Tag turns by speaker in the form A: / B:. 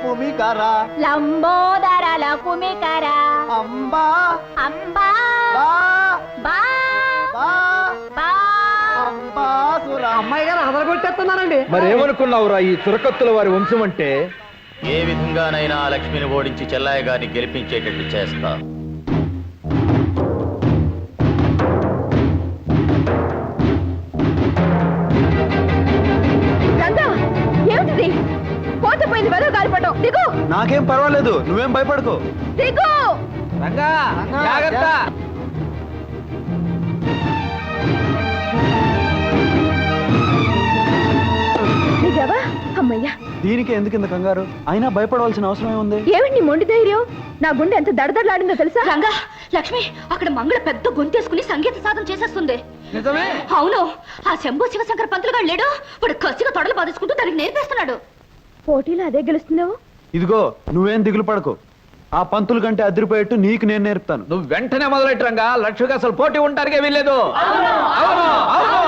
A: కుమికర
B: లంబోదర లకుమికర
A: అంబా
B: అంబా
A: బా
B: బా
A: బా
B: బా
A: అంబాసుర.
C: అమ్మాయి గారు అదరగొట్టేస్తున్నారండి.
D: మరేమనుకున్నావురా ఈ చురకత్తుల వారి వంశం అంటే?
E: ఏ విధంగానైనా లక్ష్మిని ఓడించి చెల్లాయి గారిని గెలిపించేటట్టు చేస్తా.
B: రంగా ఏమిటిది? పోతపోయింది వెదవ గాలిపటం. దిగు
A: నాకేం పర్వాలేదు, నువ్వేం భయపడకు.
B: దిగు.
C: రంగా జాగ్రత్త.
B: దిగావా? అమ్మయ్యా.
A: దీనికి ఎందుకు ఇంత కంగారు? అయినా భయపడవలసిన అవసరం ఏముంది?
B: ఏమిటి నీ మొండి ధైర్యం? నా గుండె ఎంత దడదడలాడిందో తెలుసా? రంగా లక్ష్మి అక్కడ మంగళ పెద్ద గొంతేసుకుని సంగీత సాధన చేసేస్తుంది.
C: నిజమే.
B: అవును, ఆ శంభు శివశంకర పంతులు గారు లేడు, వాడు కసిగా తొడలు బాధేసుకుంటూ దానికి నేర్పేస్తున్నాడు. పోటీలో అదే గెలుస్తున్నావు.
A: ఇదిగో నువ్వేం దిగులు పడకు. ఆ పంతుల కంటే అదిరిపోయేట్టు నీకు నేను నేర్పుతాను.
D: నువ్వు వెంటనే మొదలెట్టు రంగా. లక్ష్మికి అసలు పోటీ ఉండటానికే వీల్లేదు. అవును అవును.